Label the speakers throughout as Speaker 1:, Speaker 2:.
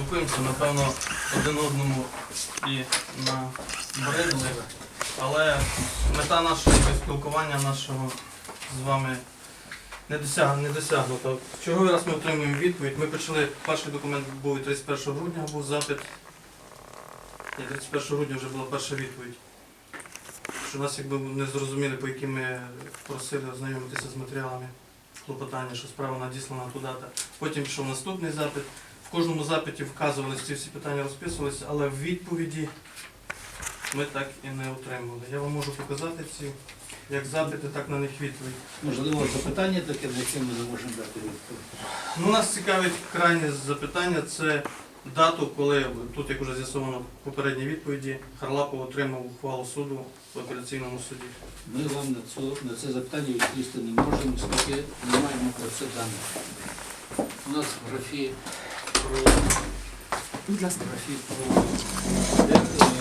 Speaker 1: спілкуємося, напевно, один одному і набридли, але мета нашого спілкування нашого з вами не досягнута. В черговий раз ми отримуємо відповідь. Ми почали, перший документ був 31 грудня, був запит. І 31 грудня вже була перша відповідь. Що нас якби не зрозуміли, по яким ми просили ознайомитися з матеріалами клопотання, що справа надіслана туди-то. Потім пішов наступний запит. В кожному запиті вказувалися ці всі питання, розписувалися, але в відповіді ми так і не отримали. Я вам можу показати ці, як запити, так на них відповідь.
Speaker 2: Можливо, запитання таке, на яке ми не можемо дати відповідь.
Speaker 1: Ну, нас цікавить крайнє запитання, це дату, коли, тут як вже з'ясовано в попередній відповіді, Харлапов отримав ухвалу суду в апеляційному суді.
Speaker 2: Ми вам на це запитання відповісти не можемо, оскільки не маємо про це даних. У нас в графі про...
Speaker 3: Будь ласка.
Speaker 2: Графі про... Де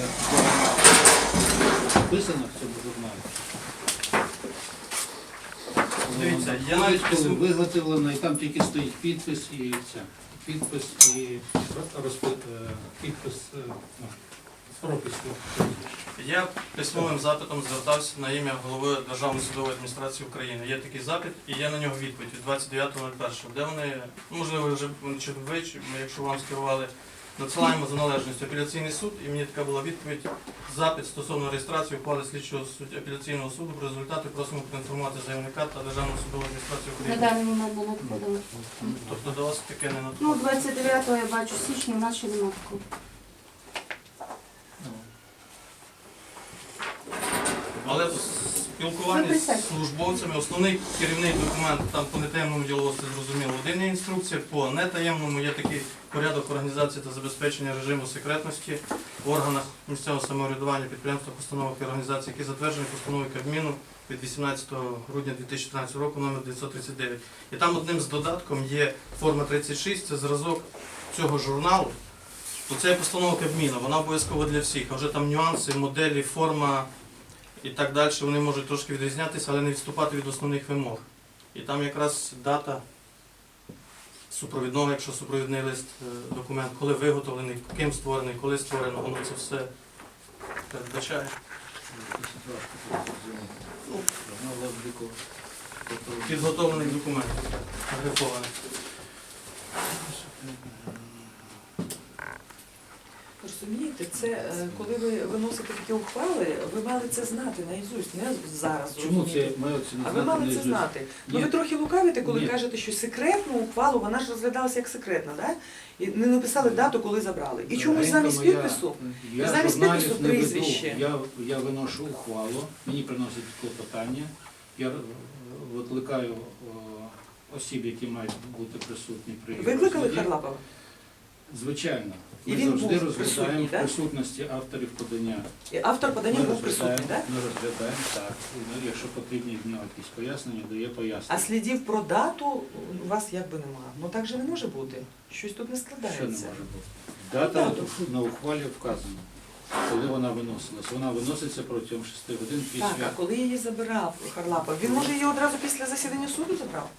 Speaker 2: написано в цьому журналі.
Speaker 1: Дивіться, я навіть
Speaker 2: коли виготовлено, і там тільки стоїть підпис і це. Підпис і підпис з прописку.
Speaker 1: Я письмовим запитом звертався на ім'я голови Державної судової адміністрації України. Є такий запит і є на нього відповідь від 29.01, де вони, можливо, вже ви, якщо вам скерували, надсилаємо за належністю апеляційний суд, і мені така була відповідь, запит стосовно реєстрації ухвали слідчого апеляційного суду, про результати просимо проінформувати заявника та Державну судову адміністрацію
Speaker 3: На
Speaker 1: України.
Speaker 3: даний момент не надходило.
Speaker 1: Тобто до вас таке не
Speaker 3: Ну,
Speaker 1: надходить?
Speaker 3: 29-го я бачу січня, у нас ще немає такого.
Speaker 1: Але в спілкуванні з службовцями основний керівний документ, там по нетаємному діловодству зрозуміло, один є інструкція, по нетаємному є такий порядок організації та забезпечення режиму секретності в органах місцевого самоврядування, підприємствах, установах і організацій, які затверджені постановою Кабміну від 18 грудня 2013 року номер 939. І там одним з додатком є форма 36, це зразок цього журналу. Оце є постанова Кабміну, вона обов'язкова для всіх, а вже там нюанси, моделі, форма і так далі, вони можуть трошки відрізнятися, але не відступати від основних вимог. І там якраз дата супровідного, якщо супровідний лист, документ, коли виготовлений, ким створений, коли створено, воно це все передбачає. Підготовлений документ, агрифований.
Speaker 4: Розумієте, це коли ви виносите такі ухвали, ви мали це знати наізусть, не зараз.
Speaker 2: Чому
Speaker 4: розумієте.
Speaker 2: це має це не
Speaker 4: А
Speaker 2: знати?
Speaker 4: ви мали це
Speaker 2: наізусть?
Speaker 4: знати. Ну
Speaker 2: Ні.
Speaker 4: ви трохи лукавите, коли
Speaker 2: Ні.
Speaker 4: кажете, що секретну ухвалу, вона ж розглядалася як секретна, да? І не написали дату, коли забрали. І чомусь
Speaker 2: Взагалі-то
Speaker 4: замість
Speaker 2: моя-
Speaker 4: підпису,
Speaker 2: Я
Speaker 4: замість
Speaker 2: журналів
Speaker 4: підпису
Speaker 2: не веду.
Speaker 4: прізвище.
Speaker 2: Я виношу ухвалу, мені приносять клопотання, я викликаю осіб, які мають бути присутні при
Speaker 4: викликали
Speaker 2: розгляді.
Speaker 4: Харлапова?
Speaker 2: Звичайно.
Speaker 4: І
Speaker 2: Ми
Speaker 4: він
Speaker 2: завжди
Speaker 4: був
Speaker 2: розглядаємо
Speaker 4: присутній,
Speaker 2: в
Speaker 4: так?
Speaker 2: присутності авторів подання.
Speaker 4: І автор подання
Speaker 2: Ми
Speaker 4: був присутній, так?
Speaker 2: Ми розглядаємо, так. І, якщо потрібні в нього якісь пояснення, дає
Speaker 4: А
Speaker 2: пояснення.
Speaker 4: слідів про дату у вас якби немає. Ну так же не може бути. Щось тут не
Speaker 2: Що не
Speaker 4: складається.
Speaker 2: може бути? Дата на ухвалі вказана, коли вона виносилась. Вона виноситься протягом 6 годин
Speaker 4: Так, а
Speaker 2: після...
Speaker 4: коли її забирав Харлапов, він може її одразу після засідання суду забрав?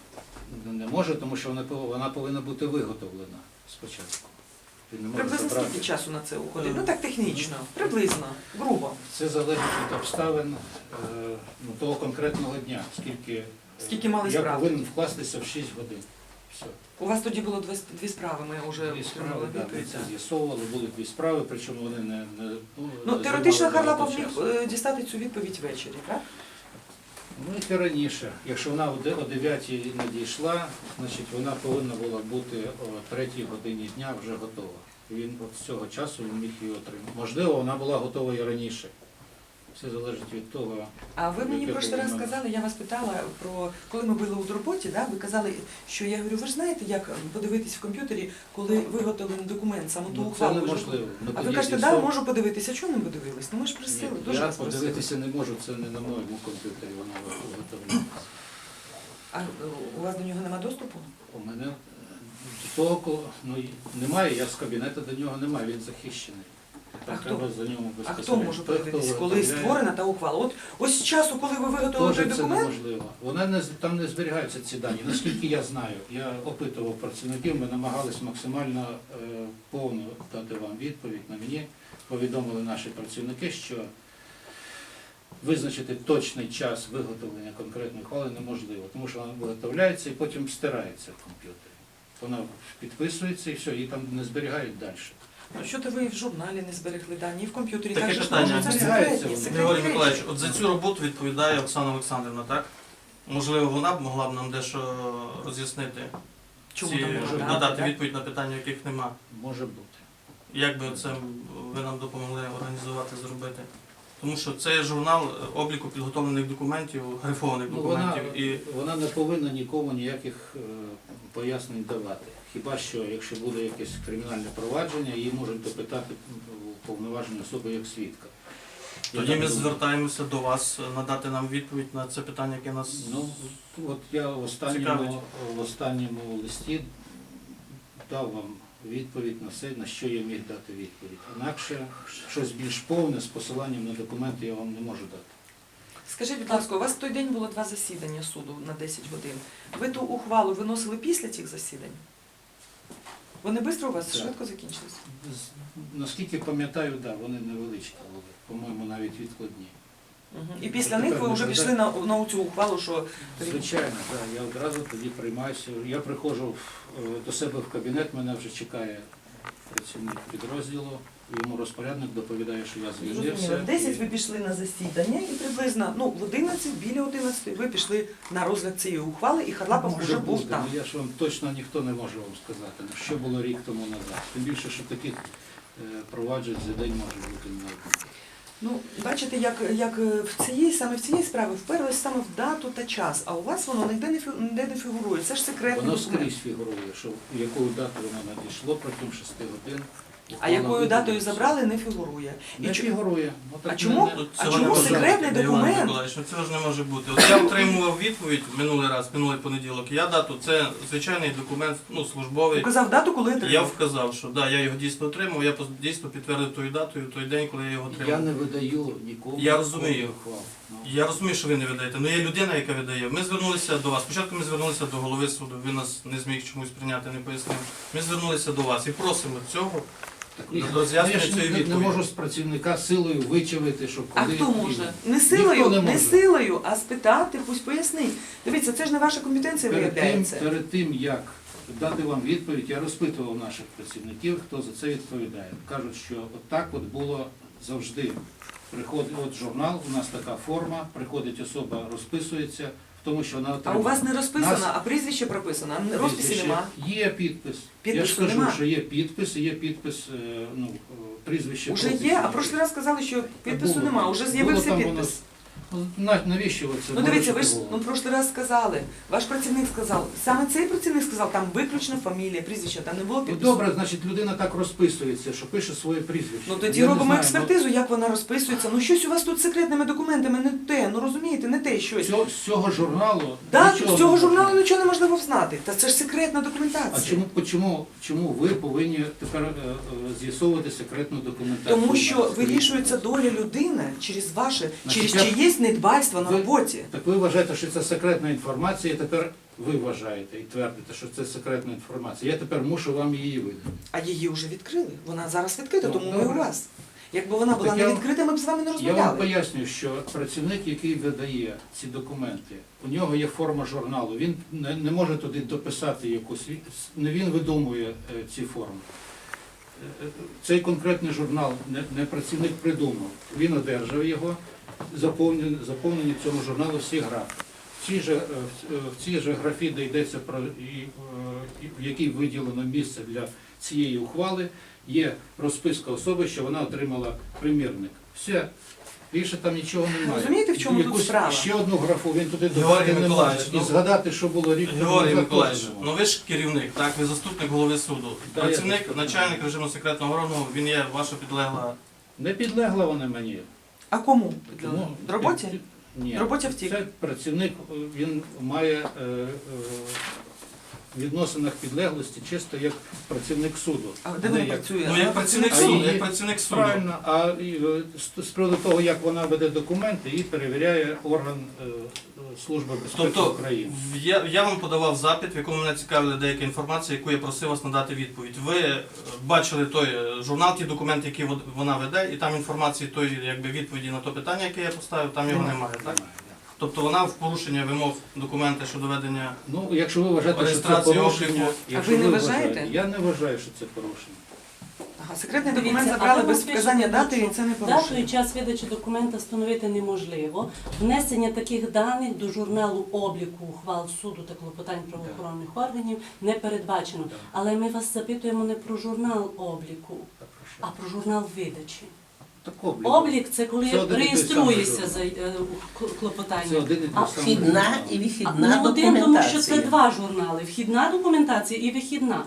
Speaker 2: Не може, тому що вона повинна бути виготовлена спочатку. Він не може
Speaker 4: Приблизно
Speaker 2: забрати.
Speaker 4: скільки часу на це уходить? Ну так технічно, приблизно, грубо.
Speaker 2: Це залежить від обставин того конкретного дня,
Speaker 4: Скільки мали
Speaker 2: я
Speaker 4: справ?
Speaker 2: повинен вкластися в 6 годин. Все.
Speaker 4: У вас тоді було дві справи, ми вже
Speaker 2: Дві справи,
Speaker 4: отримали
Speaker 2: да, ми
Speaker 4: відповідь.
Speaker 2: це з'ясовували, були 2 справи, причому вони не
Speaker 4: Ну, теоретично
Speaker 2: займали
Speaker 4: Харлапов
Speaker 2: багато
Speaker 4: міг
Speaker 2: часу.
Speaker 4: дістати цю відповідь ввечері, так?
Speaker 2: Ну, і раніше. Якщо вона о 9-й надійшла, значить вона повинна була бути о 3-й годині дня вже готова. І він от з цього часу він міг її отримати. Можливо, вона була готова і раніше. Все залежить від того.
Speaker 4: А ви мені
Speaker 2: Яке
Speaker 4: прошлий раз
Speaker 2: було
Speaker 4: сказали, я вас питала про, коли ми були у роботі, да, ви казали, що я говорю, ви ж знаєте, як подивитись в комп'ютері, коли виготовлений документ, саму ту
Speaker 2: Ну, це
Speaker 4: ухвалу.
Speaker 2: неможливо. Ми
Speaker 4: А ви
Speaker 2: тоді
Speaker 4: кажете,
Speaker 2: з'ясовували.
Speaker 4: можу подивитися. Чому не подивились? Ну ми ж просили, дуже
Speaker 2: Я
Speaker 4: вас просили.
Speaker 2: подивитися не можу, це не на моєму комп'ютері, вона виготовлена.
Speaker 4: А у вас до нього нема доступу?
Speaker 2: У мене до того, немає, я з кабінету до нього немає, він захищений. там
Speaker 4: А хто?
Speaker 2: треба за ньому
Speaker 4: А
Speaker 2: безпосередньо.
Speaker 4: хто може
Speaker 2: Той, хто
Speaker 4: подивитися, коли
Speaker 2: виготовляє,
Speaker 4: створена та ухвала? Ось з часу, коли ви виготовили той
Speaker 2: теж це
Speaker 4: документ,
Speaker 2: неможливо. Там не зберігаються ці дані. Наскільки я знаю, я опитував працівників, ми намагались максимально повну дати вам відповідь. На мені повідомили наші працівники, що визначити точний час виготовлення конкретної ухвали неможливо, тому що вона виготовляється і потім стирається в комп'ютері. Вона підписується і все, її там не зберігають далі.
Speaker 4: ну що то ви в журналі не зберегли дані, і в комп'ютері
Speaker 1: Таке
Speaker 4: так же ж
Speaker 1: питання.
Speaker 4: можна, це ж
Speaker 2: Зберігається
Speaker 4: секретні,
Speaker 2: воно.
Speaker 4: секретні
Speaker 1: Григорій
Speaker 4: речі.
Speaker 1: Миколаївич, от за цю роботу відповідає Оксана Олександрівна, так? Можливо, вона б могла б нам дещо роз'яснити,
Speaker 4: Чому
Speaker 1: ці,
Speaker 4: там можна дати,
Speaker 1: надати
Speaker 4: так?
Speaker 1: відповідь на питання, яких нема.
Speaker 2: Може бути.
Speaker 1: Як би це ви нам допомогли організувати, зробити? Тому що це є журнал обліку підготовлених документів, грифованих
Speaker 2: Ну, вона,
Speaker 1: документів. І
Speaker 2: вона не повинна нікому ніяких пояснень давати. Хіба що, якщо буде якесь кримінальне провадження, її можуть допитати повноважені особи як свідка. Я
Speaker 1: тоді
Speaker 2: так
Speaker 1: ми
Speaker 2: думаю.
Speaker 1: звертаємося до вас надати нам відповідь на це питання, яке нас.
Speaker 2: Ну, от я в останньому листі дав вам відповідь на все, на що я міг дати відповідь. Інакше щось більш повне з посиланням на документи я вам не можу дати.
Speaker 4: Скажіть, будь ласка, у вас в той день було 2 засідання суду на 10 годин. Ви ту ухвалу виносили після цих засідань? Вони швидко у вас
Speaker 2: Так.
Speaker 4: швидко закінчились?
Speaker 2: Наскільки пам'ятаю, да, вони невеличкі були, по-моєму, навіть відкладні.
Speaker 4: І після
Speaker 2: Тепер
Speaker 4: них ви вже
Speaker 2: ми
Speaker 4: пішли на цю ухвалу, що
Speaker 2: Звичайно, так. Я одразу тоді приймаюся. Я приходжу до себе в кабінет, мене вже чекає працівник підрозділу, йому розпорядник доповідає, що я звільнився.
Speaker 4: зрозуміло. В 10 ви пішли на засідання і приблизно в 11, біля 11 ви пішли на розгляд цієї ухвали, і Харлапов
Speaker 2: Може
Speaker 4: вже був
Speaker 2: бути,
Speaker 4: там.
Speaker 2: ну, я ж вам точно ніхто не може вам сказати, ну, що було рік тому назад. Тим більше, що таких проваджень за день може бути не одне.
Speaker 4: Ну, бачите, як саме в цієї справи вперлось саме в дату та час, а у вас воно ніде не фігурує. Це ж секретний
Speaker 2: Воно
Speaker 4: документ.
Speaker 2: скрізь фігурує, що якою датою воно надійшло протягом 6 годин.
Speaker 4: А якою
Speaker 2: Ухвала
Speaker 4: датою
Speaker 2: видалася.
Speaker 4: забрали, не фігурує.
Speaker 2: Не
Speaker 4: чу-
Speaker 2: фігурує. Ну, так
Speaker 4: А
Speaker 2: ми
Speaker 4: чому?
Speaker 2: не-
Speaker 1: Тут
Speaker 4: А
Speaker 1: цього
Speaker 4: чому
Speaker 1: не може
Speaker 4: секретний
Speaker 1: бути, Іван
Speaker 4: документ?
Speaker 1: Миколаївич, ну цього ж не може бути. От я отримував відповідь минулий понеділок. Я дату, це звичайний документ, службовий.
Speaker 4: Указав дату, коли
Speaker 1: Я
Speaker 4: отримав.
Speaker 1: вказав, що да, я його дійсно отримав, я дійсно підтвердив тою датою, той день, коли я його
Speaker 2: Я
Speaker 1: отримав.
Speaker 2: не видаю нікому.
Speaker 1: Я розумію.
Speaker 2: ухвал. Ну,
Speaker 1: Я розумію, що ви не видаєте, але є людина, яка видає. Ми звернулися до вас. Спочатку ми звернулися до голови суду, він нас не зміг чомусь прийняти, не пояснив. Ми звернулися до вас і просимо цього.
Speaker 2: так,
Speaker 1: Роз'яснення
Speaker 2: я ж
Speaker 1: цієї
Speaker 2: не
Speaker 1: відповіді.
Speaker 2: можу з працівника силою вичавити, щоб
Speaker 4: А
Speaker 2: коли
Speaker 4: хто
Speaker 2: і-
Speaker 4: може? Не
Speaker 2: Ніхто
Speaker 4: силою,
Speaker 2: не
Speaker 4: не
Speaker 2: може.
Speaker 4: силою, а спитати, пусть пояснить. Дивіться, це ж не ваша компетенція виявляється.
Speaker 2: Перед тим, як дати вам відповідь, я розпитував наших працівників, хто за це відповідає. Кажуть, що отак от було завжди. Приходить от журнал, у нас така форма, приходить особа, розписується, в тому, що вона
Speaker 4: А
Speaker 2: отримала.
Speaker 4: у вас не розписано,
Speaker 2: Нас-
Speaker 4: а прізвище прописано, а розписі
Speaker 2: Прізвище.
Speaker 4: нема.
Speaker 2: Є підпис. Я
Speaker 4: Підпису
Speaker 2: ж кажу,
Speaker 4: нема.
Speaker 2: що є підпис, і є підпис, прізвище.
Speaker 4: Уже
Speaker 2: пропису.
Speaker 4: є, а прошлий раз сказали, що підпису
Speaker 2: Було.
Speaker 4: нема, уже
Speaker 2: Було
Speaker 4: з'явився
Speaker 2: там
Speaker 4: підпис.
Speaker 2: воно. Ну, навіщо ви це?
Speaker 4: Ну дивіться, ви ж
Speaker 2: можете
Speaker 4: ну прошлий раз сказали, ваш працівник сказав, саме цей працівник сказав, там виключно фамілія, прізвище, там не було
Speaker 2: Ну
Speaker 4: підпису.
Speaker 2: добре, значить людина так розписується, що пише своє прізвище.
Speaker 4: Ну тоді
Speaker 2: Я не
Speaker 4: робимо
Speaker 2: знаю,
Speaker 4: експертизу, як вона розписується. Ну щось у вас тут з секретними документами не те, ну розумієте, не те щось.
Speaker 2: З цього журналу.
Speaker 4: Так,
Speaker 2: нічого
Speaker 4: з цього
Speaker 2: не
Speaker 4: журналу
Speaker 2: можна.
Speaker 4: нічого неможливо взнати. Та це ж секретна
Speaker 2: А
Speaker 4: документація.
Speaker 2: чому ви повинні тепер з'ясовувати секретну документацію?
Speaker 4: Тому що
Speaker 2: Скажіть,
Speaker 4: вирішується
Speaker 2: будь ласка.
Speaker 4: доля людини через ваше,
Speaker 2: Значить,
Speaker 4: через
Speaker 2: я-
Speaker 4: чиєсь недбальство на
Speaker 2: Ви-
Speaker 4: роботі.
Speaker 2: Так ви вважаєте, що це секретна інформація, і тепер ви вважаєте і твердите, що це секретна інформація. Я тепер мушу вам її видати.
Speaker 4: А її вже відкрили. Вона зараз відкрита,
Speaker 2: Ну,
Speaker 4: тому ми
Speaker 2: добре.
Speaker 4: у вас. Якби вона була
Speaker 2: Так
Speaker 4: не
Speaker 2: я-
Speaker 4: відкрита, ми б з вами не
Speaker 2: Я вам
Speaker 4: розмовляли.
Speaker 2: пояснюю, що працівник, який видає ці документи, у нього є форма журналу, він не може туди дописати якусь, не він видумує ці форми. Цей конкретний журнал не працівник придумав, він одержав його, заповнені в цьому журналу всі графи. В цій же графі, де йдеться про в якій виділено місце для цієї ухвали, є розписка особи, що вона отримала примірник. Все. Більше там нічого немає.
Speaker 4: Розумієте, в чому тут
Speaker 2: Якусь
Speaker 4: справа?
Speaker 2: Ще одну графу він туди
Speaker 1: Георгій
Speaker 2: додати не може.
Speaker 1: Миколаївич,
Speaker 2: І
Speaker 1: ну,
Speaker 2: згадати, що було рік тому
Speaker 1: Георгій
Speaker 2: назад,
Speaker 1: Миколаївич,
Speaker 2: теж не може.
Speaker 1: ну ви ж керівник, так? Ви заступник голови суду.
Speaker 2: Да, я
Speaker 1: Працівник,
Speaker 2: заступник.
Speaker 1: начальник режиму секретного органу, він є ваша підлегла.
Speaker 2: Не підлегла вона мені.
Speaker 4: А кому?
Speaker 2: Ну,
Speaker 4: Роботі?
Speaker 2: Ні.
Speaker 4: Роботі втік.
Speaker 2: Це працівник, він має відносинах підлеглості чисто як працівник суду.
Speaker 4: А де
Speaker 2: не
Speaker 4: вона
Speaker 2: як-
Speaker 4: працює?
Speaker 1: Ну, як працівник
Speaker 2: А
Speaker 1: суду,
Speaker 2: її-
Speaker 1: як працівник суду.
Speaker 2: Правильно, а з приводу того, як вона веде документи, її перевіряє орган Служби безпеки
Speaker 1: Тобто,
Speaker 2: України.
Speaker 1: я вам подавав запит, в якому мене цікавила деяка інформація, яку я просив вас надати відповідь. Ви бачили той журнал, ті документи, які вона веде, і там інформації тої, якби відповіді на те питання, яке я поставив, там його немає, так?
Speaker 2: Немає, да.
Speaker 1: Тобто вона в порушення вимог документи щодо ведення.
Speaker 2: Ну, якщо ви вважаєте, що це
Speaker 1: Реєстрація
Speaker 2: порушення,
Speaker 1: обліку.
Speaker 2: якщо
Speaker 4: А ви не
Speaker 2: вважаєте-
Speaker 4: вважаєте?
Speaker 2: Я не вважаю, що це порушення.
Speaker 4: Ага, секретний
Speaker 3: Дивіться,
Speaker 4: документ
Speaker 3: а
Speaker 4: забрали
Speaker 3: ви
Speaker 4: без
Speaker 3: пишете,
Speaker 4: вказання дати,
Speaker 3: що
Speaker 4: і це не
Speaker 3: Дату і
Speaker 4: порушення.
Speaker 3: час видачі документа встановити неможливо. Внесення таких даних до журналу обліку ухвал суду та клопотань правоохоронних органів не передбачено.
Speaker 2: Да.
Speaker 3: Але ми вас запитуємо не про журнал обліку,
Speaker 2: Так, прошу.
Speaker 3: а про журнал видачі.
Speaker 2: Так, облік.
Speaker 3: Облік це коли
Speaker 2: Це один і той
Speaker 3: реєструється
Speaker 2: самий
Speaker 3: за
Speaker 2: Це
Speaker 3: клопотання.
Speaker 2: один і
Speaker 3: А
Speaker 2: той самий
Speaker 5: Вхідна
Speaker 2: журнал.
Speaker 5: і
Speaker 3: Не
Speaker 5: вихідна
Speaker 3: один, тому що це
Speaker 5: документація.
Speaker 3: два журнали: вхідна документація і вихідна.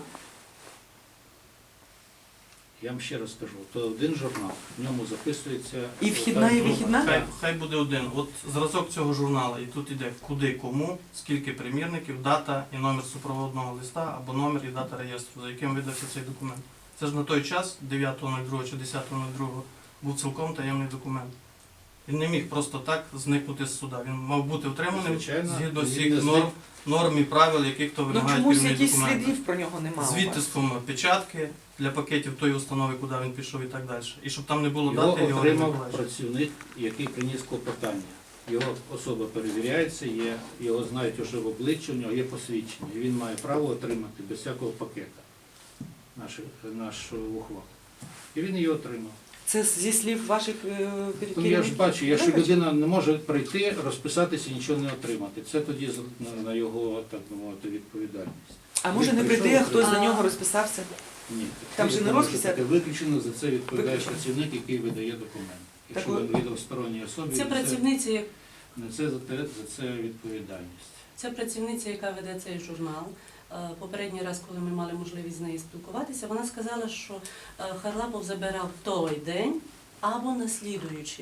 Speaker 2: Я вам ще раз кажу, то один журнал, в ньому записується...
Speaker 4: І вхідна, і вихідна?
Speaker 1: Хай буде один. От зразок цього журналу, і тут іде куди, кому, скільки примірників, дата і номер супроводного листа, або номер і дата реєстру, за яким видався цей документ. Це ж на той час, 9.02 чи 10.02, був цілком таємний документ. Він не міг просто так зникнути з суда. Він мав бути утриманий
Speaker 2: Звичайно,
Speaker 1: згідно
Speaker 2: він
Speaker 1: всіх
Speaker 2: не
Speaker 1: норм і правил, яких то
Speaker 4: Ну
Speaker 1: вимагають
Speaker 4: чомусь
Speaker 1: керівні
Speaker 4: якісь
Speaker 1: документи.
Speaker 4: слідів про нього немає.
Speaker 1: З відтиском печатки для пакетів тої установи, куди він пішов і так далі. І щоб там не було
Speaker 2: Його
Speaker 1: дати, його не
Speaker 2: отримав
Speaker 1: Миколаївич.
Speaker 2: працівник, який приніс клопотання. Його особа перевіряється, його знають уже в обличчя, у нього є посвідчення. І він має право отримати без всякого пакета нашу ухвалу. І він її отримав.
Speaker 4: Це зі слів ваших
Speaker 2: Ну, я ж
Speaker 4: керівників?
Speaker 2: бачу, якщо
Speaker 4: Вибачте.
Speaker 2: людина не може прийти, розписатися і нічого не отримати. Це тоді на його, так би мовити, відповідальність.
Speaker 4: А може не
Speaker 2: Він
Speaker 4: прийти, а
Speaker 2: прийшов,
Speaker 4: хтось за
Speaker 3: а-
Speaker 4: нього розписався?
Speaker 2: Ні.
Speaker 4: Там же не
Speaker 2: Тому що
Speaker 4: розпис,
Speaker 2: таке виключено, за це відповідає
Speaker 4: Виключено.
Speaker 2: працівник, який видає документ. Якщо
Speaker 4: Так,
Speaker 2: він віддав сторонній особі,
Speaker 3: Це працівниця,
Speaker 2: несе за це відповідальність.
Speaker 3: Це працівниця, яка веде цей журнал. Попередній раз, коли ми мали можливість з нею спілкуватися, вона сказала, що Харлапов забирав той день або наслідуючий.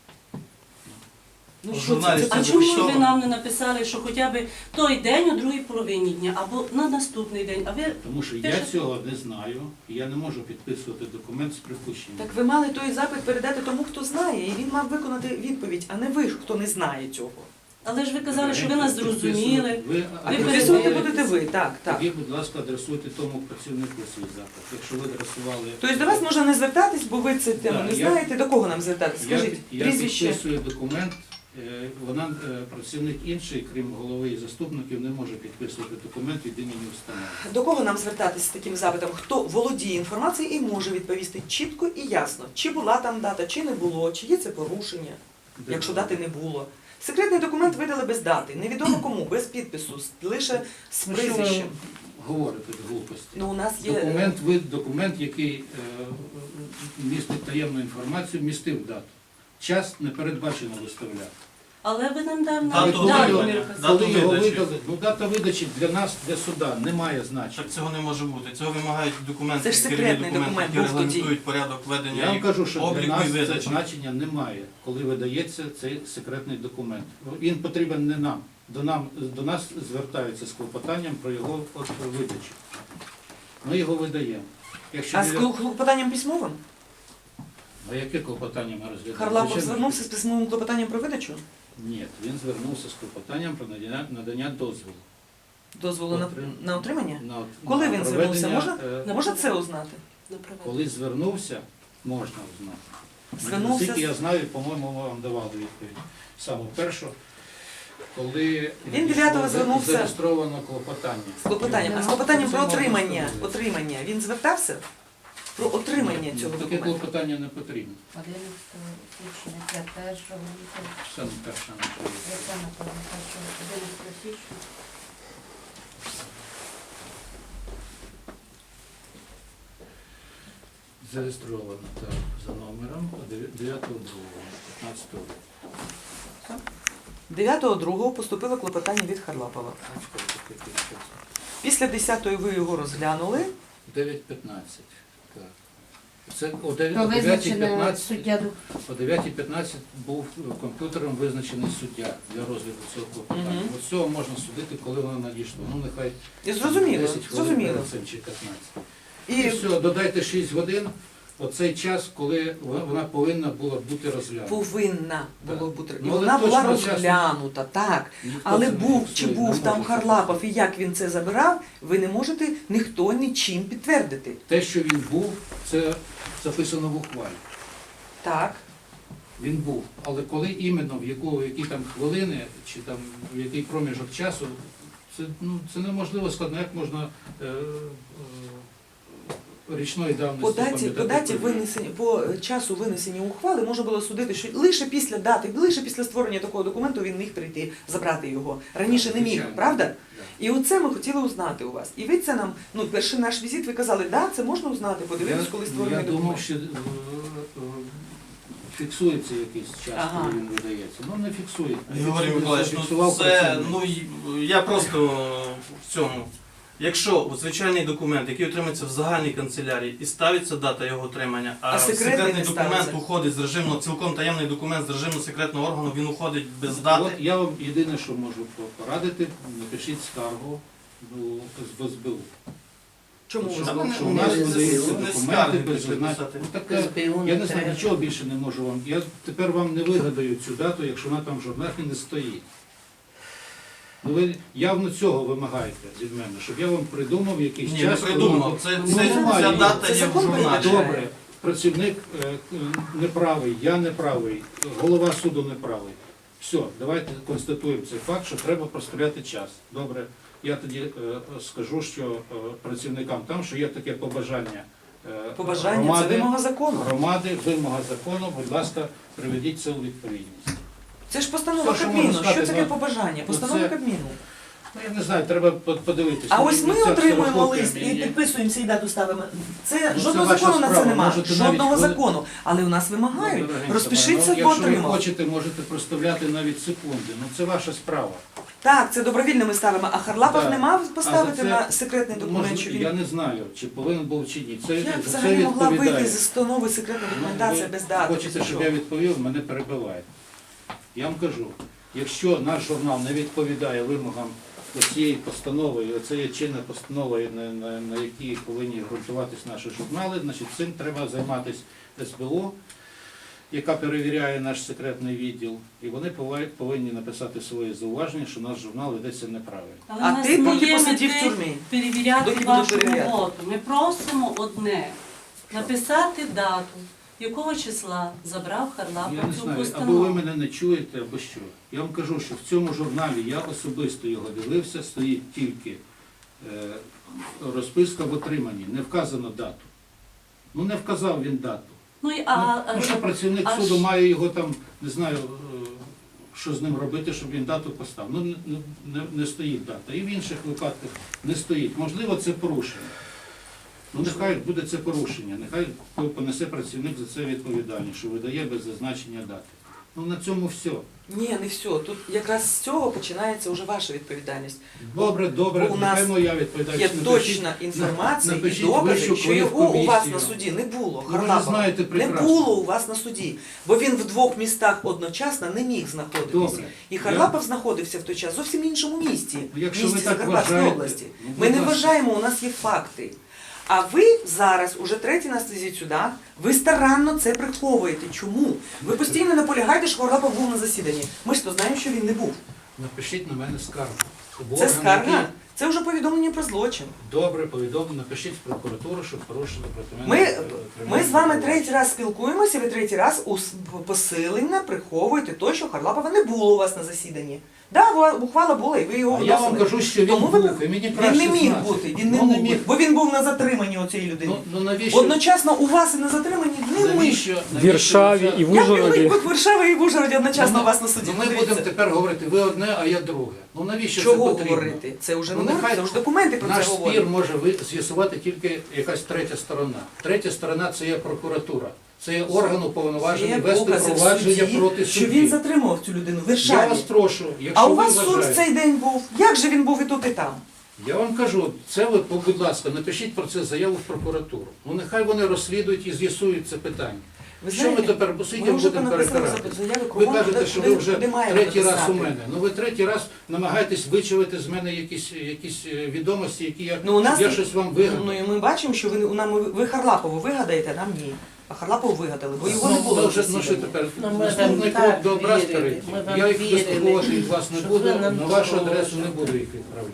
Speaker 4: Ну
Speaker 1: В
Speaker 4: що
Speaker 1: журналі
Speaker 4: це?
Speaker 1: це
Speaker 3: А чому ж ви
Speaker 1: зафіксовано?
Speaker 3: нам не написали, що хоча б той день у другій половині дня або на наступний день? А ви
Speaker 2: Тому що я
Speaker 3: Пишете?
Speaker 2: цього не знаю, і я не можу підписувати документ з припущенням.
Speaker 4: Так ви мали той запит передати тому, хто знає, і він мав виконати відповідь, а не ви, хто не знає цього.
Speaker 3: але ж ви казали, що ви нас зрозуміли.
Speaker 4: А
Speaker 3: Ви
Speaker 4: підписувати
Speaker 3: передаєте.
Speaker 4: будете ви, так, так.
Speaker 2: Тоді, будь ласка, адресуйте тому працівнику свій запит. Якщо ви адресували...
Speaker 4: Тобто до вас можна не звертатись, бо ви це тему
Speaker 2: Да,
Speaker 4: не
Speaker 2: я-
Speaker 4: знаєте. До кого нам звертатись? Скажіть,
Speaker 2: я
Speaker 4: прізвище.
Speaker 2: підписую документ, вона, працівник інший, крім голови і заступників, не може підписувати документ від імені установи.
Speaker 4: До кого нам звертатись з таким запитом? Хто володіє інформацією і може відповісти чітко і ясно, чи була там дата, чи не було, чи є це порушення, якщо дати не було. Секретний документ видали без дати, невідомо кому, без підпису, лише з
Speaker 2: Ну, що ви
Speaker 4: прізвищем.
Speaker 2: говорите глупості?
Speaker 4: Ну, у нас є
Speaker 2: Документ, який містить таємну інформацію, містив дату. Час не передбачено виставляти.
Speaker 3: Але ви нам дав
Speaker 1: Дату
Speaker 3: дату.
Speaker 1: видачі.
Speaker 3: Дату.
Speaker 1: Дату
Speaker 2: Коли його
Speaker 1: видачі.
Speaker 2: видали, ну дата видачі для нас, для суда, не має значення.
Speaker 1: Так цього не може бути. Цього вимагають документи,
Speaker 4: Це ж
Speaker 1: керівні
Speaker 4: секретний
Speaker 1: документи,
Speaker 4: документ
Speaker 1: які
Speaker 4: був тоді.
Speaker 1: регламентують порядок
Speaker 2: Я
Speaker 1: ведення
Speaker 2: вам
Speaker 1: і
Speaker 2: кажу, що для
Speaker 1: обліку
Speaker 2: нас
Speaker 1: і
Speaker 2: це
Speaker 1: видачі.
Speaker 2: значення немає, коли видається цей секретний документ. Він потрібен не нам. До нас звертаються з клопотанням про його видачу. Ми його видаємо. Якщо
Speaker 4: А з
Speaker 2: біля-
Speaker 4: клопотанням письмовим?
Speaker 2: А яке клопотання ми розглядаємо?
Speaker 4: Харлапов
Speaker 2: Звичайно,
Speaker 4: звернувся з письмовим клопотанням про видачу?
Speaker 2: Ні, він звернувся з клопотанням про надання дозволу.
Speaker 4: Дозволу на отримання?
Speaker 2: На
Speaker 4: Коли він звернувся?
Speaker 2: проведення,
Speaker 4: Можна це узнати?
Speaker 3: На проведення.
Speaker 2: Коли звернувся, можна узнати.
Speaker 4: Звернувся
Speaker 2: Наскільки я знаю, по-моєму, вам давали відповідь. Саме першу, коли
Speaker 4: Він 9-го
Speaker 2: було
Speaker 4: звернувся.
Speaker 2: зареєстровано клопотання.
Speaker 4: З клопотанням. А з клопотанням про
Speaker 2: Це можна
Speaker 4: отримання.
Speaker 2: сказати.
Speaker 4: Отримання. Він звертався? Про отримання
Speaker 2: Ні,
Speaker 4: цього
Speaker 2: таке
Speaker 4: документу.
Speaker 2: клопотання не потрібно.
Speaker 6: 11 січня, 1
Speaker 2: Саме перша наша відповідь.
Speaker 3: 11 січня.
Speaker 2: Зареєстровано так, за номером 9.2.15 року.
Speaker 4: 9.2 поступило клопотання від Харлапова.
Speaker 2: Бачите, таке підпис.
Speaker 4: Після 10-ї ви його розглянули.
Speaker 2: 9.15. Так. Це о
Speaker 6: То
Speaker 2: 9:15
Speaker 6: визначено суддя.
Speaker 2: о 9:15 був комп'ютером визначений суддя для розгляду цього клопотання.
Speaker 4: Мгм.
Speaker 2: От з цього можна судити, коли воно надійшло. Ну, нехай
Speaker 4: І зрозуміло,
Speaker 2: 10 хвилин
Speaker 4: зрозуміло.
Speaker 2: перед цим чи 15. І
Speaker 4: І
Speaker 2: все, додайте 6 годин, оцей час, коли вона повинна була бути розглянута.
Speaker 4: повинна
Speaker 2: Так.
Speaker 4: було бути. І
Speaker 2: Ну, але
Speaker 4: вона була
Speaker 2: точно часу-
Speaker 4: розглянута, так.
Speaker 2: Ніхто
Speaker 4: Але
Speaker 2: це не
Speaker 4: був чи
Speaker 2: фіксує, не
Speaker 4: був там
Speaker 2: може
Speaker 4: Харлапов і як він це забирав, ви не можете ніхто нічим підтвердити.
Speaker 2: Те, що він був, це записано в ухвалі.
Speaker 4: Так.
Speaker 2: Він був. Але коли іменно, в які там хвилини, чи там в який проміжок часу, це неможливо складно, як можна річної давності
Speaker 4: По даті
Speaker 2: пам'ятати.
Speaker 4: винесення, по часу винесення ухвали можна було судити, що лише після дати, лише після створення такого документу він міг прийти, забрати його. Раніше не міг,
Speaker 2: Звичайно.
Speaker 4: правда?
Speaker 2: Да.
Speaker 4: І оце ми хотіли узнати у вас. І ви це нам, перший наш візит, ви казали, да, це можна узнати, подивитись, коли створений
Speaker 2: Я думав,
Speaker 4: документ.
Speaker 2: що фіксується якийсь час,
Speaker 4: Ага.
Speaker 2: коли він видається. Ну не фіксує.
Speaker 1: Георгій Миколаївич, ну
Speaker 2: Зафіксував
Speaker 1: це,
Speaker 2: працівник.
Speaker 1: я просто в цьому. Якщо звичайний документ, який отримується в загальній канцелярії, і ставиться дата його отримання, а
Speaker 4: секретний не
Speaker 1: документ
Speaker 4: ставиться?
Speaker 1: уходить з режимного, цілком таємний документ з режиму секретного органу, він уходить без дати.
Speaker 2: От я вам єдине, що можу порадити, напишіть скаргу в СБУ.
Speaker 4: Чому?
Speaker 2: Що,
Speaker 1: Та
Speaker 2: що
Speaker 1: не-
Speaker 2: у нас
Speaker 1: не-
Speaker 2: видаються
Speaker 1: не
Speaker 2: документи
Speaker 1: скарги
Speaker 2: без
Speaker 1: прийшли
Speaker 2: зазначень.
Speaker 1: писати.
Speaker 2: Ну, таке, я не знаю, нічого більше не можу вам. Я тепер вам не вигадаю цю дату, якщо вона там в журналі не стоїть. Ну, ви явно цього вимагаєте від мене, щоб я вам придумав якийсь
Speaker 1: Ні,
Speaker 2: час.
Speaker 1: не
Speaker 2: коли
Speaker 1: придумав.
Speaker 2: вам-
Speaker 1: Це,
Speaker 2: Ну,
Speaker 1: це,
Speaker 2: немає
Speaker 1: ця
Speaker 2: її.
Speaker 1: дата
Speaker 4: Це
Speaker 1: є в
Speaker 4: закон
Speaker 1: журналі.
Speaker 4: передбачає.
Speaker 2: Добре, працівник неправий, я неправий, голова суду неправий. Все, давайте констатуємо цей факт, що треба проставляти час. Добре, я тоді скажу, що працівникам там, що є таке побажання
Speaker 4: Побажання це
Speaker 2: громади,
Speaker 4: вимога закону.
Speaker 2: вимога закону, будь ласка, приведіть це у відповідність.
Speaker 4: Це ж постанова
Speaker 2: Все, що
Speaker 4: Кабміну.
Speaker 2: можна сказати,
Speaker 4: Що таке
Speaker 2: ну,
Speaker 4: побажання? Постанова
Speaker 2: це-
Speaker 4: Кабміну.
Speaker 2: Ну, я не знаю, треба подивитися.
Speaker 4: А ось ми
Speaker 2: Ця
Speaker 4: отримуємо
Speaker 2: ксерокопія
Speaker 4: лист і
Speaker 2: мені-
Speaker 4: підписуємося і дату ставимо. Це
Speaker 2: Ну,
Speaker 4: жодного
Speaker 2: це ваша
Speaker 4: закону на це
Speaker 2: справа.
Speaker 4: немає.
Speaker 2: Можете
Speaker 4: Жодного
Speaker 2: навіть коли-
Speaker 4: закону. Але у нас
Speaker 2: Ну,
Speaker 4: вимагають.
Speaker 2: дорогенька
Speaker 4: Розпишіться,
Speaker 2: моя, ну,
Speaker 4: бо
Speaker 2: якщо ви
Speaker 4: отримали.
Speaker 2: хочете, можете проставляти навіть секунди. Ну це ваша справа.
Speaker 4: Так, це добровільно ми ставимо. А Харлапов
Speaker 2: Да.
Speaker 4: не мав поставити
Speaker 2: А за це
Speaker 4: на секретний документ,
Speaker 2: Може,
Speaker 4: що
Speaker 2: я
Speaker 4: він...
Speaker 2: не знаю, чи повинен був чи ні. Це,
Speaker 4: Як
Speaker 2: за це
Speaker 4: взагалі могла
Speaker 2: відповідає.
Speaker 4: вийти зі установи секретна
Speaker 2: Ну,
Speaker 4: документація
Speaker 2: ви
Speaker 4: без дати?
Speaker 2: Хочете,
Speaker 4: без
Speaker 2: щоб
Speaker 4: нічого?
Speaker 2: я відповів, мене перебиваєте. Я вам кажу, якщо наш журнал не відповідає вимогам цієї постанови, і оце є чинна постанова, на якій повинні ґрунтуватись наші журнали, значить цим треба займатися СБУ, яка перевіряє наш секретний відділ, і вони повинні написати свої зауваження, що наш журнал ведеться неправильно.
Speaker 3: Але
Speaker 4: А
Speaker 3: в нас
Speaker 4: ти
Speaker 3: не
Speaker 4: поки
Speaker 3: є
Speaker 4: посидів в
Speaker 3: мети
Speaker 4: тюрмі.
Speaker 3: перевіряти
Speaker 4: Доки
Speaker 3: вашу
Speaker 4: буду перевіряти.
Speaker 3: роботу. Ми просимо одне написати дату, якого числа забрав Харлапов
Speaker 2: Я не
Speaker 3: цю
Speaker 2: знаю, або ви
Speaker 3: постанову.
Speaker 2: мене не чуєте, або що. Я вам кажу, що в цьому журналі я особисто його дивився, стоїть тільки розписка в отриманні, не вказано дату. Ну не вказав він дату.
Speaker 3: Ну, і,
Speaker 2: Ну що працівник
Speaker 3: а
Speaker 2: суду
Speaker 3: ж-
Speaker 2: має його там, не знаю, що з ним робити, щоб він дату поставив. Ну не стоїть дата. І в інших випадках не стоїть. Можливо, це порушення. Ну нехай буде це порушення, нехай понесе працівник за це відповідальність, що видає без зазначення дати. Ну на цьому все.
Speaker 4: Ні, не все. Тут якраз з цього починається вже ваша відповідальність.
Speaker 2: Добре, добре,
Speaker 4: Бо у нас
Speaker 2: нехай моя
Speaker 4: Є
Speaker 2: відповідальність.
Speaker 4: точна інформація і
Speaker 2: напишіть
Speaker 4: докази,
Speaker 2: вищу
Speaker 4: що його у вас на
Speaker 2: комісію.
Speaker 4: суді не було.
Speaker 2: Ну, ви ж
Speaker 4: Харлапова.
Speaker 2: знаєте
Speaker 4: Не
Speaker 2: прекрасно.
Speaker 4: було у вас на суді, бо він в двох містах одночасно не міг знаходитись.
Speaker 2: Добре.
Speaker 4: І Харлапов знаходився в той час зовсім іншому місті,
Speaker 2: Якщо ви
Speaker 4: місті
Speaker 2: так
Speaker 4: Закарпатської
Speaker 2: вважаєте,
Speaker 4: області.
Speaker 2: ну,
Speaker 4: Ми не
Speaker 2: будь ласка.
Speaker 4: вважаємо, у нас є факти. А ви зараз, уже третій нас візит сюди, ви старанно це приховуєте. Чому? Ви постійно наполягаєте, що Харлапов був на засіданні. Ми ж то знаємо, що він не був.
Speaker 2: Напишіть на мене скаргу. Щоб
Speaker 4: Це
Speaker 2: орган,
Speaker 4: скарга,
Speaker 2: який
Speaker 4: це вже повідомлення про злочин.
Speaker 2: Добре, повідомлено, напишіть в прокуратуру, щоб порушили проти
Speaker 4: Ми,
Speaker 2: мене.
Speaker 4: ми з вами третій раз спілкуємося, ви третій раз посилення приховуєте те, що Харлапова не було у вас на засіданні. Да, ухвала була, і ви його
Speaker 2: А я вам
Speaker 4: вносили.
Speaker 2: кажу, що він
Speaker 4: Тому ви-
Speaker 2: був, і мені
Speaker 4: Він
Speaker 2: краще
Speaker 4: не міг
Speaker 2: знати.
Speaker 4: бути, він не
Speaker 2: Ну,
Speaker 4: мог бути, бо він був на затриманні у цієї людини.
Speaker 2: Ну навіщо?
Speaker 4: Одночасно у вас і на затриманні не ми.
Speaker 2: навіщо
Speaker 5: В Варшаві і в
Speaker 4: Як він
Speaker 5: Ужгороді.
Speaker 4: міг бути в Варшаві і в Ужгороді одночасно
Speaker 2: Ну,
Speaker 4: у вас на суді?
Speaker 2: Ну, ми
Speaker 4: Дивіться.
Speaker 2: будемо тепер говорити, ви одне, а я друге. Ну навіщо
Speaker 4: Чого
Speaker 2: це потрібно?
Speaker 4: говорити? Це вже
Speaker 2: Ну,
Speaker 4: не говорить,
Speaker 2: нехай
Speaker 4: це вже документи про це
Speaker 2: Наш спір
Speaker 4: говорять.
Speaker 2: може з'ясувати тільки якась третя сторона. Третя сторона це є прокуратура. Це є орган уповноважений
Speaker 4: Є
Speaker 2: вести
Speaker 4: докази в
Speaker 2: провадження
Speaker 4: суді,
Speaker 2: проти
Speaker 4: що
Speaker 2: судді.
Speaker 4: він затримував цю людину в
Speaker 2: Я
Speaker 4: Варшаві.
Speaker 2: вас прошу, якщо
Speaker 4: А у
Speaker 2: ви
Speaker 4: вас суд в
Speaker 2: вважаєте,
Speaker 4: цей день був. Як же він був і тут, і там?
Speaker 2: Я вам кажу, це ви, будь ласка, напишіть про це заяву в прокуратуру. Ну нехай вони розслідують і з'ясують це питання.
Speaker 4: Ви
Speaker 2: Що ми
Speaker 4: знаєте,
Speaker 2: тепер
Speaker 4: ми
Speaker 2: сидимо,
Speaker 4: вже
Speaker 2: будемо
Speaker 4: понаписали
Speaker 2: перетирати?
Speaker 4: заяви
Speaker 2: Ви
Speaker 4: кругом,
Speaker 2: кажете, що ви
Speaker 4: куди-
Speaker 2: вже
Speaker 4: куди маємо
Speaker 2: третій раз у
Speaker 4: написати.
Speaker 2: мене. Ну ви третій раз намагаєтесь вичавити з мене якісь відомості, які
Speaker 4: Ну, у нас
Speaker 2: я щось вам вигадав.
Speaker 4: Ну і ми бачимо, що ви Харлапову вигадаєте, нам ні. А Харлапову вигадали, бо його не було.
Speaker 2: Ну,
Speaker 4: на
Speaker 2: вже, ну що
Speaker 4: засіданні.
Speaker 2: тепер?
Speaker 6: Ну, ми
Speaker 2: Наступний
Speaker 6: вам
Speaker 2: крок
Speaker 6: так
Speaker 2: до образ
Speaker 6: вірили,
Speaker 2: перейти.
Speaker 6: ми вам
Speaker 2: Я їх
Speaker 6: вірили,
Speaker 2: вислуховувати від вас не
Speaker 6: що
Speaker 2: буду,
Speaker 6: ви нам
Speaker 2: на вашу
Speaker 6: допоможете.
Speaker 2: адресу не буду їх відправляти.